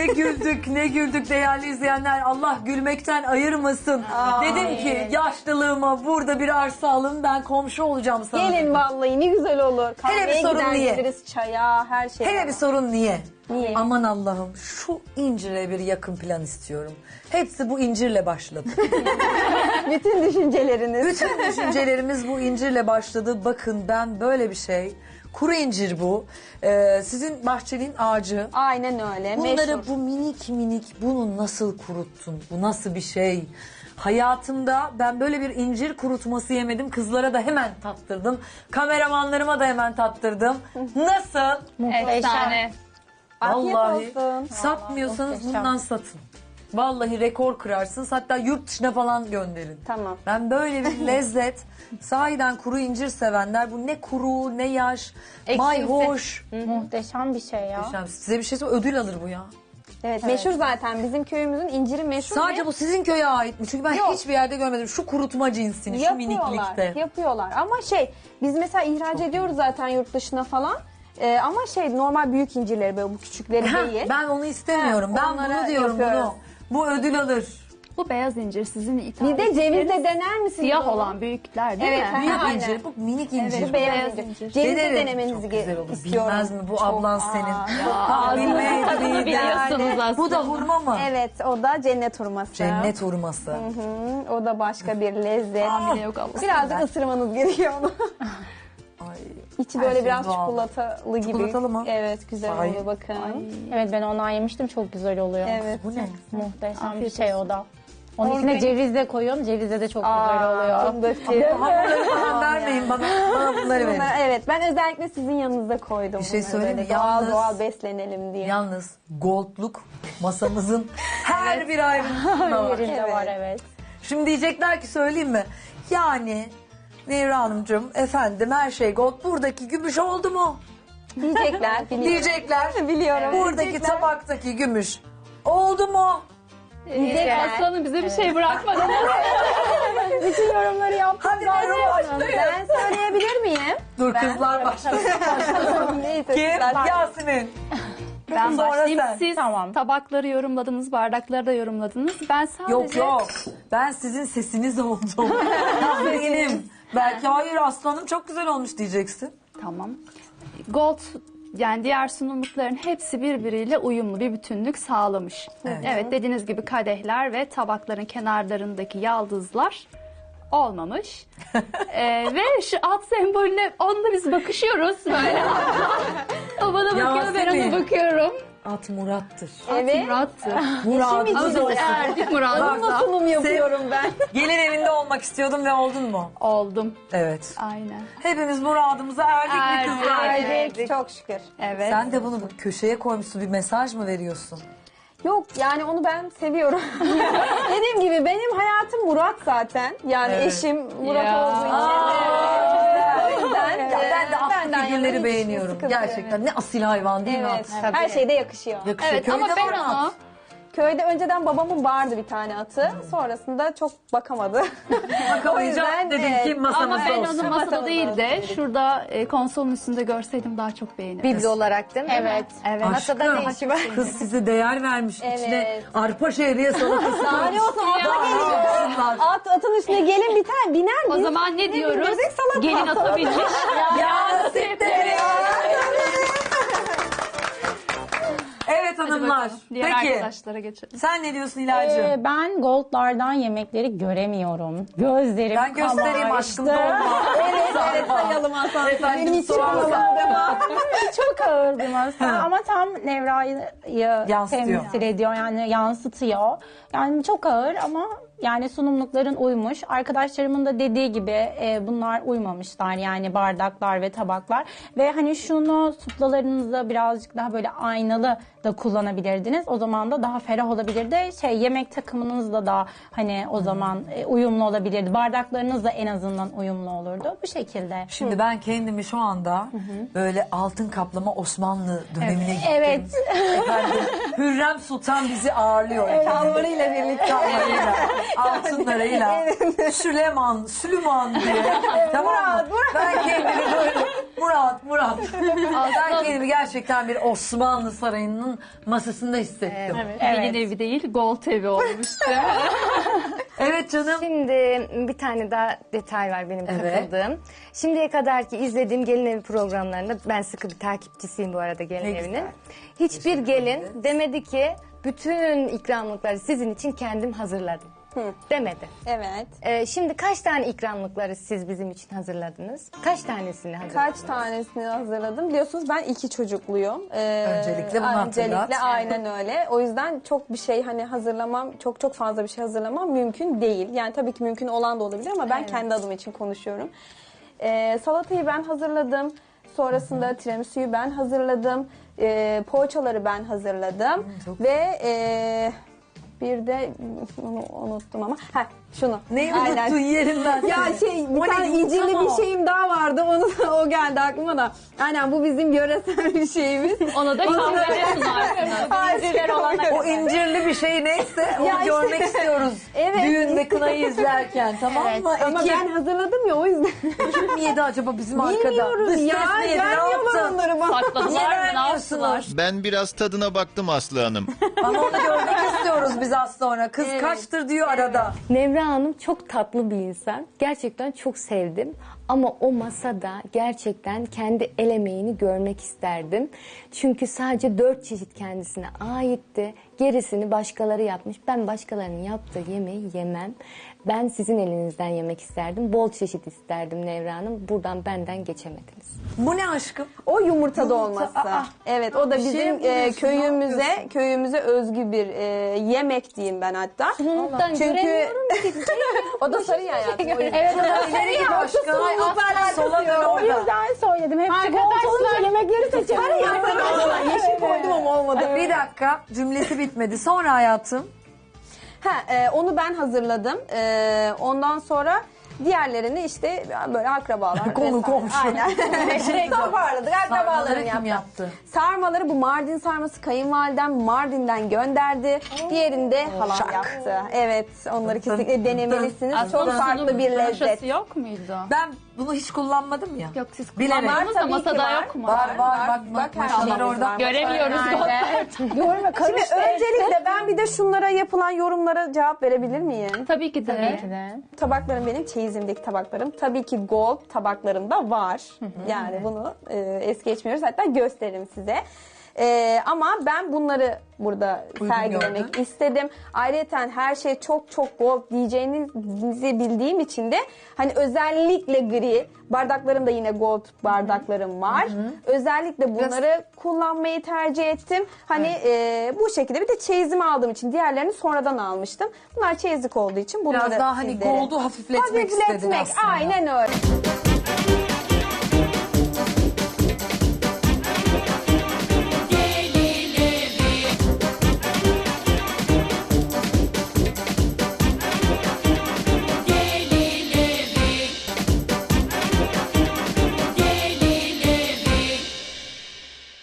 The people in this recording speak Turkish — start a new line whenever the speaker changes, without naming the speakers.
Ne güldük, ne güldük değerli izleyenler. Allah gülmekten ayırmasın. Dedim ki yaşlılığıma burada bir arsa alın, ben komşu olacağım sana.
Gelin
dedim.
vallahi ne güzel olur.
Hele bir
Kahveye
sorun
gider
niye?
geliriz, çaya, her şey.
Hele bir sorun niye?
Niye?
Aman Allah'ım, şu incire bir yakın plan istiyorum. Hepsi bu incirle başladı.
Bütün düşünceleriniz.
Bütün düşüncelerimiz bu incirle başladı. Bakın ben böyle bir şey. Kuru incir bu. Sizin bahçenin ağacı.
Aynen öyle.
Bunları
Meşhur.
bu minik minik bunu nasıl kuruttun? Bu nasıl bir şey? Hayatımda ben böyle bir incir kurutması yemedim. Kızlara da hemen tattırdım. Kameramanlarıma da hemen tattırdım. Nasıl?
Efsane.
Afiyet
Vallahi
olsun.
satmıyorsanız bundan satın. Vallahi rekor kırarsınız. Hatta yurt dışına falan gönderin.
Tamam.
Ben böyle bir lezzet, sahiden kuru incir sevenler, bu ne kuru ne yaş, mayhoş.
Muhteşem bir şey ya.
Size bir şey söyleyeyim, ödül alır bu ya.
Evet, meşhur zaten. Bizim köyümüzün inciri meşhur.
Sadece
ve
bu sizin köye ait mi? Çünkü ben
Yok.
hiçbir yerde görmedim. Şu kurutma cinsini, şu miniklikte.
Yapıyorlar. Ama biz mesela ihraç ediyoruz zaten yurt dışına falan. Ama normal büyük incirleri, böyle bu küçükleri değil.
Ben onu istemiyorum. Ben
onlara
bunu diyorum
yapıyoruz.
bunu. Bu ödül alır.
Bu beyaz incir sizin ithal
Bir de cevizle dener misiniz?
siyah
onu?
olan büyükler değil
Evet,
mi?
Büyük
aynen.
incir, bu minik incir.
Bu beyaz incir. Cevizle
Denerim.
denemenizi
Çok güzel olur.
istiyorum.
Bilmez mi bu
Çok-
ablan senin?
Ağzınızın
bilmeydi
tadını
miydi?
biliyorsunuz aslında.
Bu da hurma mı?
Evet, o da cennet hurması.
Cennet hurması.
Hı, o da başka bir lezzet.
Hamile yok Allah.
Birazcık ısırmanız gerekiyor onu.
Ay.
İçi
Her
böyle
şey
biraz
doğal.
çikolatalı gibi.
Çikolatalı mı?
Evet, güzel
Ay.
oluyor bakın.
Evet ben ondan yemiştim, çok güzel oluyor.
Evet.
Bu ne?
Muhteşem bir şey o da. Onun içine ceviz de koyuyorum. Cevizle de çok güzel oluyor.
Bunları falan vermeyin bana. Bana bunları verin.
Evet, ben özellikle sizin yanınızda koydum.
Bir şey
bunları
söyleyeyim
böyle
mi? Yalnız-
Doğal beslenelim diye.
Yalnız goldluk masamızın her bir ayrıntısında var.
Birinde var evet.
Şimdi diyecekler ki söyleyeyim mi? Yani Nevra Hanımcığım efendim her şey gold. Buradaki gümüş oldu mu?
Diyecekler. Biliyorum.
Diyecekler.
Biliyorum.
Buradaki
Diyecekler.
tabaktaki gümüş oldu mu?
Aslanım bize bir şey bırakmadı.
Bütün yorumları yaptım.
Hadi buyurun başlayın.
Ben söyleyebilir miyim?
Dur kızlar başlasın.
Neyse.
Kim?
sizler-
Yasemin.
Ben
Sonra
başlayayım.
sen.
Siz
Tamam.
tabakları yorumladınız, bardakları da yorumladınız. Ben sadece...
Yok yok. Ben sizin sesiniz oldum. Benim. Belki hayır aslanım çok güzel olmuş diyeceksin.
Tamam. Gold yani diğer sunumlukların hepsi birbiriyle uyumlu bir bütünlük sağlamış. Evet, dediğiniz gibi kadehler ve tabakların kenarlarındaki yaldızlar olmamış. Ve şu at sembolüne onunla biz bakışıyoruz böyle. O bana bakıyor, ben
Yasemin.
ona bakıyorum.
At Murat'tır.
Evet.
Murat'tı.
Murat'ı
Ama biz
olsun.
erdik Murat'la.
Sunum yapıyorum ben.
Gelin evinde olmak istiyordum ve oldun mu?
Oldum.
Evet.
Aynen.
Hepimiz muradımıza erdik mi
Erdik.
kızlar?
Erdik. Çok şükür.
Evet.
Sen de bunu köşeye koymuşsun, bir mesaj mı veriyorsun?
Yok yani onu ben seviyorum. Dediğim gibi benim hayatım Murat zaten. Yani
Evet.
eşim Murat
Ya.
olduğu için. O yüzden
Ya ben de atlı
benden yana
figürleri
hiç
beğeniyorum.
sıkıntı yok.
Gerçekten ne asil hayvan değil mi
Evet.
at?
Her şeyde yakışıyor.
Yakışıyor.
Evet
Köyde
ama ben
var mı
onu
at?
Köyde önceden babamın vardı bir tane atı. Sonrasında çok bakamadı.
Bakamayınca
O yüzden,
dedim ki
Ama
masamızda
ben
olsun.
onu masada
Masamızda
değil de
olsun.
şurada konsolun üstünde görseydim daha çok beğenirdim.
Biblo olarak değil mi?
Evet.
Evet.
Masada
Aşkım,
ne işi var?
kız size değer vermiş.
Evet.
İçine arpa şehriye salatası
Daha ne olsun ata
Daha ne
gelin.
olsunlar?
Atın üstüne gelin bir tane biner
O
mi?
zaman ne diyoruz?
bebek salata.
Gelin ata binmiş.
Ya nasipleri ya. Evet hanımlar.
Diğer
Peki
arkadaşlara geçelim.
sen ne diyorsun İlacığım?
Ben goldlardan yemekleri göremiyorum. Gözlerim
Ben göstereyim
kamaştı.
aşkım dolma.
Evet sayalım Hasan.
Efendim,
Benim için
soğan
olmadı.
Çok ağır bir masa ama tam Nevra'yı
Yansıtıyor.
temsil ediyor, yani yansıtıyor. Yani çok ağır ama yani sunumlukların uymuş. Arkadaşlarımın da dediği gibi bunlar uymamışlar, yani bardaklar ve tabaklar. Ve hani şunu suplalarınızda birazcık daha böyle aynalı da kullanabilirdiniz. O zaman da daha ferah olabilirdi. Yemek takımınızla da hani o zaman uyumlu olabilirdi. Bardaklarınız da en azından uyumlu olurdu. Bu şekilde.
Şimdi ben kendimi şu anda böyle altın kaplama Osmanlı dönemine gittim.
Evet.
Efendim, Hürrem Sultan bizi ağırlıyor.
Kalvarıyla birlikte.
Kalvarıyla, altınlarıyla, Süleyman diye. Tamam mı? Ben kendimi böyle Murat. Ben kendimi gerçekten bir Osmanlı Sarayı'nın masasında hissettim.
Gelin evi değil, gold evi olmuştu.
Evet canım.
Şimdi bir tane daha detay var benim
Evet.
katıldığım. Şimdiye kadarki izlediğim gelin evi programlarında ben sıkı bir takipçisiyim bu arada gelin
Ne
evinin.
güzel.
Hiçbir gelin demedi ki bütün ikramlıkları sizin için kendim hazırladım. Demedi.
Evet.
Şimdi kaç tane ikramlıkları siz bizim için hazırladınız? Kaç tanesini hazırladınız?
Kaç tanesini hazırladım? Biliyorsunuz ben 2 çocukluyum.
Öncelikle bunu hatırlat.
Öncelikle aynen öyle. O yüzden çok bir şey hani hazırlamam, çok fazla bir şey hazırlamam mümkün değil. Yani tabii ki mümkün olan da olabilir ama ben kendi adım için konuşuyorum. Salatayı ben hazırladım. Sonrasında tiramisu'yu ben hazırladım. Poğaçaları ben hazırladım. Ve bir de onu unuttum ama. Şunu.
Neyi
Aynen.
unuttun yerinden?
Ya bir
O
tane
ne?
incirli
Tamam.
bir şeyim daha vardı. O geldi aklıma da. Aynen bu bizim yöresel bir şeyimiz.
Ona da kahveci sunar.
İnciler olana
O incirli bir şey neyse onu
Ya işte-
görmek istiyoruz.
Evet.
Düğün ve kınayı izlerken, tamam mı?
Ama ben hazırladım ya o yüzden.
Kim yedi acaba bizim arkada?
Bilmiyorum
Dış ses
ya.
mi yedi, ne
Vermiyorlar
yaptı?
onları bana.
Sakladılar mı, ne
vermiyorsunuz?
yaptılar?
Ben biraz tadına baktım Aslı Hanım.
Ama onu görmek istiyoruz biz az sonra. Kız kaçtır diyor arada.
Nevra Hanım çok tatlı bir insan. Gerçekten çok sevdim. Ama o masada gerçekten kendi el emeğini görmek isterdim. Çünkü sadece 4 çeşit kendisine aitti. Gerisini başkaları yapmış. Ben başkalarının yaptığı yemeği yemem. Ben sizin elinizden yemek isterdim. Bol çeşit isterdim Nevra Hanım. Buradan benden geçemediniz.
Bu ne aşkım?
O yumurta dolması.
Aa.
Evet o da
Bir şey
bizim
mi buluyorsun, ne yapıyorsun?
köyümüze özgü bir yemek diyeyim ben hatta. Çünkü o da sarı hayatım.
Evet,
İleri git aşkım. Ay, asla sola dön
o
orada.
yüzden söyledim. Hepsi gold olunca yemekleri seçelim.
Yeşil koydum ama olmadı.
Bir dakika, cümlesi bitmedi. Sonra hayatım.
Onu ben hazırladım. Ondan sonra diğerlerini işte böyle akrabalar.
Konu
vesaire.
komşu.
Aynen. Toparladık. Akrabalarım
Sarmaları kim
yaptı.
yaptı?
Sarmaları bu Mardin sarması kayınvalidem Mardin'den gönderdi. Diğerini de halam yaptı. Evet onları kesinlikle denemelisiniz. Çok farklı bir lezzet.
Broşası yok muydu?
Ben bunu hiç kullanmadım ya.
Yok siz
Bilerek.
kullanmadınız da
Tabii ki
masada
var.
yok mu?
Var bak
Bak,
maşallah
her
orada.
şeyimiz var.
Göremiyoruz.
Görme
Şimdi
karıştı.
öncelikle ben bir de şunlara yapılan yorumlara cevap verebilir miyim?
Tabii ki de.
Tabaklarım benim çeyizimdeki tabaklarım. Tabii ki gold tabaklarım da var. Yani bunu es geçmiyoruz. Hatta gösteririm size. Ama ben bunları burada sergilemek
gördün.
istedim. Ayrıca her şey çok gold diyeceğinizi bildiğim için de hani özellikle gri bardaklarım da yine gold bardaklarım var. Özellikle bunları kullanmayı tercih ettim. Hani bu şekilde bir de çeyizimi aldığım için diğerlerini sonradan almıştım. Bunlar çeyizlik olduğu için bunları
Biraz daha hani
sizlere-
gold'u hafifletmek istedin aslında.
Aynen öyle.